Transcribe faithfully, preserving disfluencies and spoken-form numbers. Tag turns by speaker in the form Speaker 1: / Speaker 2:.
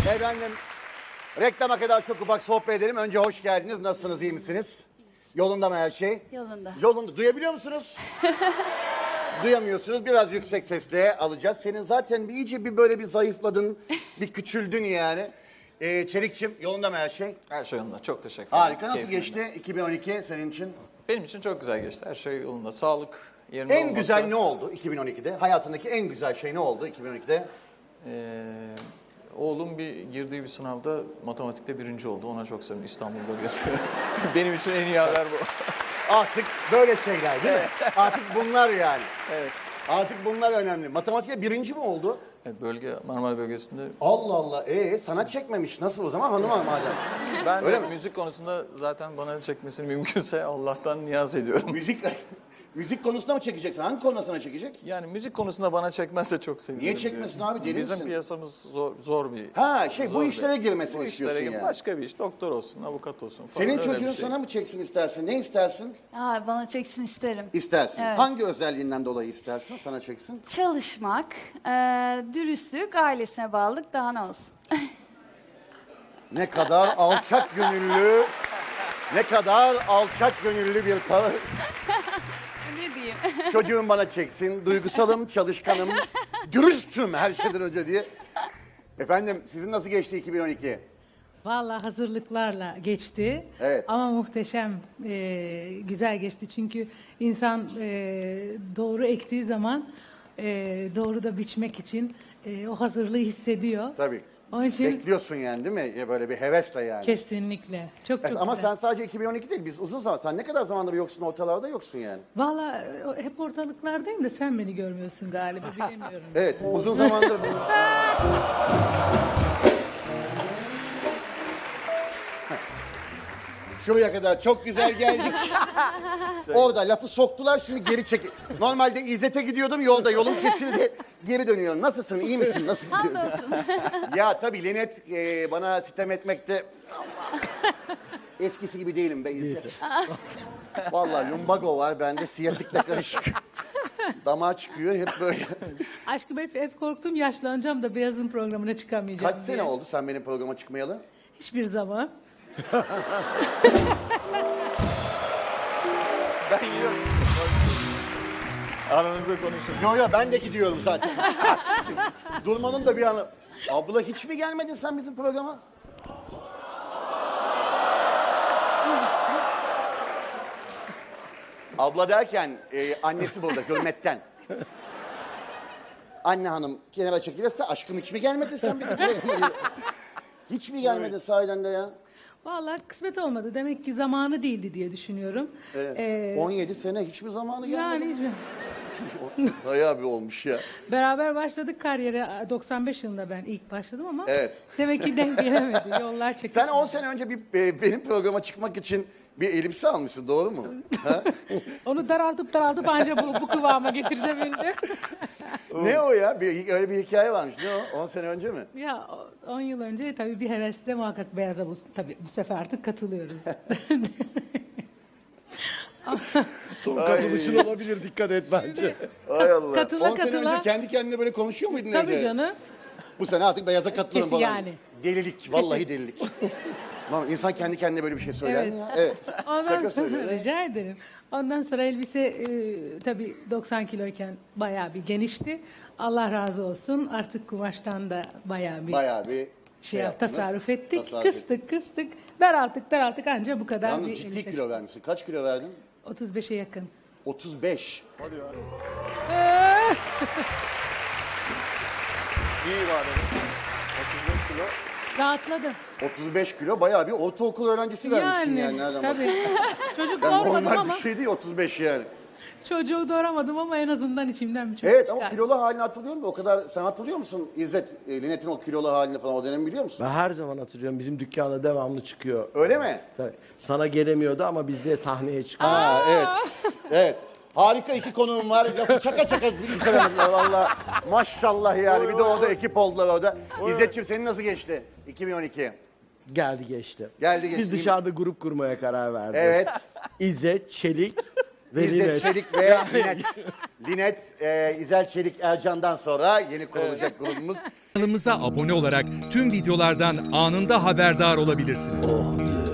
Speaker 1: Efendim, reklama kadar çok ufak sohbet edelim. Önce hoş geldiniz. Nasılsınız, iyi misiniz? Yolunda mı her şey?
Speaker 2: Yolunda.
Speaker 1: Yolunda. Duyabiliyor musunuz? Duyamıyorsunuz. Biraz yüksek sesle alacağız. Senin zaten bir iyice bir böyle bir zayıfladın, bir küçüldün yani. Ee, Çelikçim, yolunda mı her şey?
Speaker 3: Her şey yolunda. Çok teşekkür ederim.
Speaker 1: Harika. Nasıl
Speaker 3: Keyfim
Speaker 1: geçti iki bin on iki senin için?
Speaker 3: Benim için çok güzel geçti. Her şey yolunda. Sağlık yerinde
Speaker 1: En
Speaker 3: olması.
Speaker 1: güzel ne oldu iki bin on ikide? Hayatındaki en güzel şey ne oldu iki bin on ikide?
Speaker 3: Ee, oğlum bir girdiği bir sınavda matematikte birinci oldu. Ona çok sevindim. İstanbul bölgesi. Benim için en iyi haber bu.
Speaker 1: Artık böyle şeyler değil mi? Artık bunlar yani.
Speaker 3: Evet.
Speaker 1: Artık bunlar önemli. Matematikte birinci mi oldu?
Speaker 3: Evet, bölge Marmara bölgesinde.
Speaker 1: Allah Allah. Ee sana çekmemiş. Nasıl o zaman hanıma madem?
Speaker 3: Ben
Speaker 1: Öyle
Speaker 3: de
Speaker 1: mi?
Speaker 3: müzik konusunda zaten bana çekmesini mümkünse Allah'tan niyaz ediyorum.
Speaker 1: Müzik müzik konusunda mı çekeceksin? Hangi konuda sana çekecek?
Speaker 3: Yani müzik konusunda bana çekmezse çok sevinirim.
Speaker 1: Niye çekmesin abi? Deli
Speaker 3: Bizim
Speaker 1: misin?
Speaker 3: piyasamız zor, zor bir...
Speaker 1: Ha şey
Speaker 3: zor
Speaker 1: bu
Speaker 3: bir-
Speaker 1: işlere girmesini
Speaker 3: bu
Speaker 1: istiyorsun
Speaker 3: işlere gir-
Speaker 1: yani.
Speaker 3: Başka bir iş. Doktor olsun, avukat olsun falan.
Speaker 1: Senin
Speaker 3: öyle bir
Speaker 1: çocuğun
Speaker 3: şey.
Speaker 1: sana mı çeksin istersin? Ne istersin?
Speaker 2: Aa, bana çeksin isterim.
Speaker 1: İstersin.
Speaker 2: Evet.
Speaker 1: Hangi özelliğinden dolayı istersin? Sana çeksin.
Speaker 2: Çalışmak, e, dürüstlük, ailesine bağlılık daha ne olsun.
Speaker 1: Ne kadar alçak gönüllü, ne kadar alçak gönüllü bir tavır.
Speaker 2: Ne diyeyim?
Speaker 1: Çocuğum bana çeksin, duygusalım, çalışkanım, dürüstüm her şeyden önce diye. Efendim sizin nasıl geçti iki bin on iki?
Speaker 4: Vallahi hazırlıklarla geçti.
Speaker 1: Evet.
Speaker 4: Ama muhteşem, e, güzel geçti. Çünkü insan e, doğru ektiği zaman e, doğru da biçmek için e, o hazırlığı hissediyor.
Speaker 1: Tabii.
Speaker 4: Onun için
Speaker 1: Bekliyorsun yani değil mi? Ya böyle bir hevesle yani.
Speaker 4: kesinlikle. Çok çok
Speaker 1: Ama
Speaker 4: güzel.
Speaker 1: sen sadece iki bin on iki değil, biz uzun zaman. Sen ne kadar zamandır yoksun, ortalarda yoksun yani.
Speaker 4: Vallahi e, hep ortalıklardayım da sen beni görmüyorsun galiba, bilemiyorum.
Speaker 1: Evet, uzun zamandır. Şuraya kadar çok güzel geldik. Orada lafı soktular, şimdi geri çek. Normalde İzzet'e gidiyordum, yolda yolum kesildi. Geri dönüyorum. Nasılsın, iyi misin, nasıl gidiyorsun?
Speaker 2: Hamdolsun.
Speaker 1: Ya tabii Linet e, bana sitem etmekte... Eskisi gibi değilim be İzzet. Vallahi lumbago var bende, siyatikle karışık. Damağa çıkıyor hep böyle.
Speaker 4: Aşkım hep, hep korktum yaşlanacağım da Beyaz'ın programına çıkamayacağım
Speaker 1: Kaç
Speaker 4: diye.
Speaker 1: sene oldu sen benim programa çıkmayalı?
Speaker 4: Hiçbir zaman.
Speaker 3: Ben yiyorum. Aranızda konuşun.
Speaker 1: Yo yo ben de gidiyorum zaten. Durmanın da bir anı. Abla hiç mi gelmedin sen bizim programa? Abla derken e, annesi burada hürmetten. Anne hanım kenara çekilirse aşkım hiç mi gelmedin sen bizim programa? Hiç mi gelmedin sahiden de ya?
Speaker 4: Vallahi kısmet olmadı. Demek ki zamanı değildi diye düşünüyorum.
Speaker 1: Evet.
Speaker 4: Ee,
Speaker 1: on yedi sene hiç mi zamanı gelmedi?
Speaker 4: yani
Speaker 1: Bayağı bir olmuş ya.
Speaker 4: beraber başladık kariyere. doksan beş yılında ben ilk başladım ama
Speaker 1: Evet.
Speaker 4: demek ki denk gelemedi. Yollar çekildi.
Speaker 1: Sen on sene önce bir e, benim programa çıkmak için bir elbise almışsın, doğru mu? Ha?
Speaker 4: Onu daraltıp daraltıp anca bu, bu kıvama getirebildi.
Speaker 1: Ne o ya? Bir, öyle bir hikaye varmış. Ne o? on sene önce mi?
Speaker 4: Ya on yıl önce tabii bir hevesle muhakkak Beyaz'a bu, tabii bu sefer artık katılıyoruz.
Speaker 5: Son katılışın olabilir, dikkat et bence.
Speaker 1: Ay Allah.
Speaker 4: Katıla
Speaker 1: on sene
Speaker 4: katıla.
Speaker 1: önce kendi kendine böyle konuşuyor muydun
Speaker 4: Tabii
Speaker 1: evde?
Speaker 4: canım.
Speaker 1: Bu sene artık beyaza katılırım
Speaker 4: Kesin
Speaker 1: falan.
Speaker 4: yani.
Speaker 1: Delilik, vallahi delilik. Lan insan kendi kendine böyle bir şey söyler mi ya? Evet.
Speaker 4: Ondan
Speaker 1: Şaka
Speaker 4: sonra
Speaker 1: söylüyor.
Speaker 4: rica ederim. Ondan sonra elbise e, tabii doksan kiloyken bayağı bir genişti. Allah razı olsun. Artık kumaştan da bayağı bir
Speaker 1: Bayağı bir
Speaker 4: şey yap,
Speaker 1: yaptınız.
Speaker 4: tasarruf ettik.
Speaker 1: Tasarruf
Speaker 4: kıstık
Speaker 1: ettik.
Speaker 4: kıstık. Daralttık daralttık anca bu kadar
Speaker 1: Yalnız
Speaker 4: bir
Speaker 1: ciddi
Speaker 4: elbise.
Speaker 1: kilo vermişsin. Kaç kilo verdin?
Speaker 4: otuz beşe yakın.
Speaker 1: otuz beş.
Speaker 3: İyi var dedim. otuz beş kilo.
Speaker 4: Rahatladım.
Speaker 1: otuz beş kilo bayağı bir ortaokul öğrencisi vermişsin yani. Nereden
Speaker 4: tabii.
Speaker 1: bak-
Speaker 4: Çocuk
Speaker 1: Yani
Speaker 4: doğurmadım
Speaker 1: normal
Speaker 4: ama
Speaker 1: bir şey değil otuz beş yani.
Speaker 4: çocuğu doğuramadım ama en azından içimden bir çocuk
Speaker 1: Evet ama
Speaker 4: çıkar.
Speaker 1: kilolu halini hatırlıyorum da o kadar, sen hatırlıyor musun İzzet, e, Linet'in o kilolu halini falan o dönemi biliyor musun?
Speaker 5: Ben her zaman hatırlıyorum, bizim dükkanda devamlı çıkıyor.
Speaker 1: Öyle mi?
Speaker 5: Tabii. Sana gelemiyordu ama bizde sahneye çıkıyor.
Speaker 1: Ha evet. Evet. Harika iki konuğum var. Lafı çaka çaka bitiremediler valla. Maşallah yani. Bir de orada ekip oldular orada. İzzetciğim senin nasıl geçti? iki bin on iki.
Speaker 5: Geldi geçti.
Speaker 1: Geldi geçti.
Speaker 5: Biz dışarıda grup kurmaya karar verdik.
Speaker 1: Evet.
Speaker 5: İzzet, Çelik, Ve
Speaker 1: İzzet
Speaker 5: Linet.
Speaker 1: Çelik ve Linet. Linet, e, İzel Çelik Ercan'dan sonra yeni kurulacak grubumuz.
Speaker 6: Kanalımıza abone olarak tüm videolardan anında haberdar olabilirsiniz.